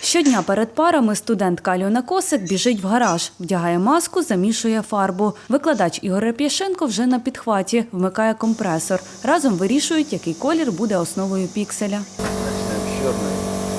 Щодня перед парами студентка Альона Косик біжить в гараж, вдягає маску, замішує фарбу. Викладач Ігор Реп'яшенко вже на підхваті, вмикає компресор. Разом вирішують, який колір буде основою пікселя. Начнем с черной.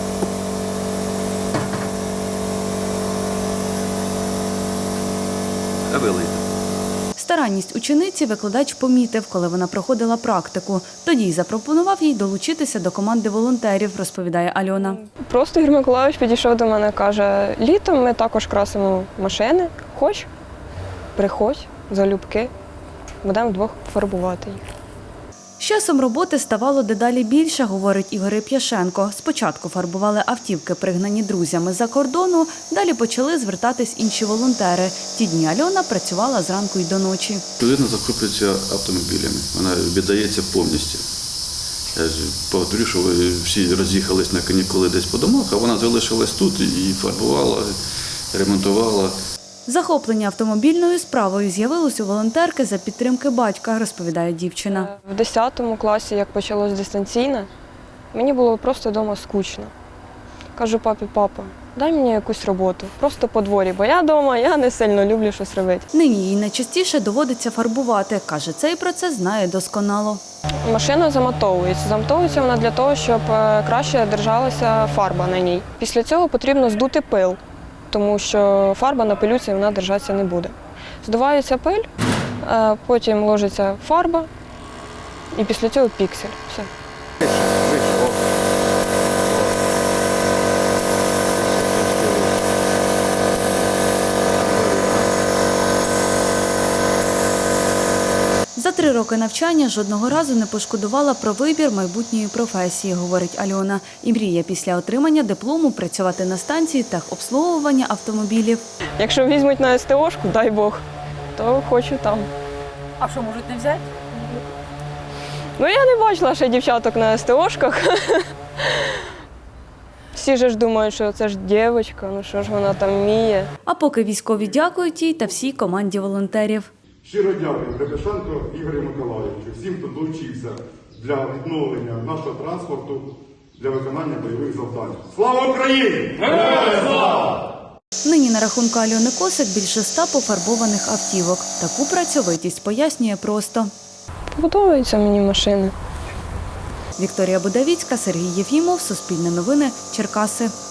А вилийте. Старанність учениці викладач помітив, коли вона проходила практику. Тоді й запропонував їй долучитися до команди волонтерів, розповідає Альона. Просто Ігор Миколайович підійшов до мене, каже, літом ми також красимо машини, хоч, приходь, залюбки, будемо вдвох фарбувати їх. З часом роботи ставало дедалі більше, говорить Ігор Реп'яшенко. Спочатку фарбували автівки, пригнані друзями з-за кордону, далі почали звертатись інші волонтери. Ті дні Альона працювала зранку й до ночі. Людина захоплюється автомобілями, вона віддається повністю. Я ж повторю, що ви всі роз'їхались на канікули десь по домах, а вона залишилась тут і фарбувала, ремонтувала. Захоплення автомобільною справою з'явилось у волонтерки за підтримки батька, розповідає дівчина. В 10 класі, як почалось дистанційне, мені було просто вдома скучно. Кажу папі, папа, дай мені якусь роботу, просто по дворі, бо я вдома, я не сильно люблю щось робити. Нині їй найчастіше доводиться фарбувати. Каже, цей процес знає досконало. Машина замотовується. Замотовується вона для того, щоб краще держалася фарба на ній. Після цього потрібно здути пил, тому що фарба на пилюці вона держатися не буде. Здувається пиль, потім ложиться фарба і після цього піксель. Все. Вище, о. За 3 роки навчання жодного разу не пошкодувала про вибір майбутньої професії, говорить Альона. І мріє після отримання диплому працювати на станції техобслуговування автомобілів. Якщо візьмуть на СТОшку, дай Бог, то хочу там. А що, можуть не взяти? Ну, я не бачила ще дівчаток на СТОшках. Всі ж думають, що це ж дівчинка, ну що ж вона там вміє. А поки військові дякують їй та всій команді волонтерів. Щиро дякую Реп'яшенко Ігорю Миколайовичу, всім, хто долучився для відновлення нашого транспорту для виконання бойових завдань. Слава Україні! Героям слава! Нині на рахунку Альони Косик більше 100 пофарбованих автівок. Таку працьовитість пояснює просто. Подобаються мені машини. Вікторія Будавіцька, Сергій Єфімов, Суспільне новини, Черкаси.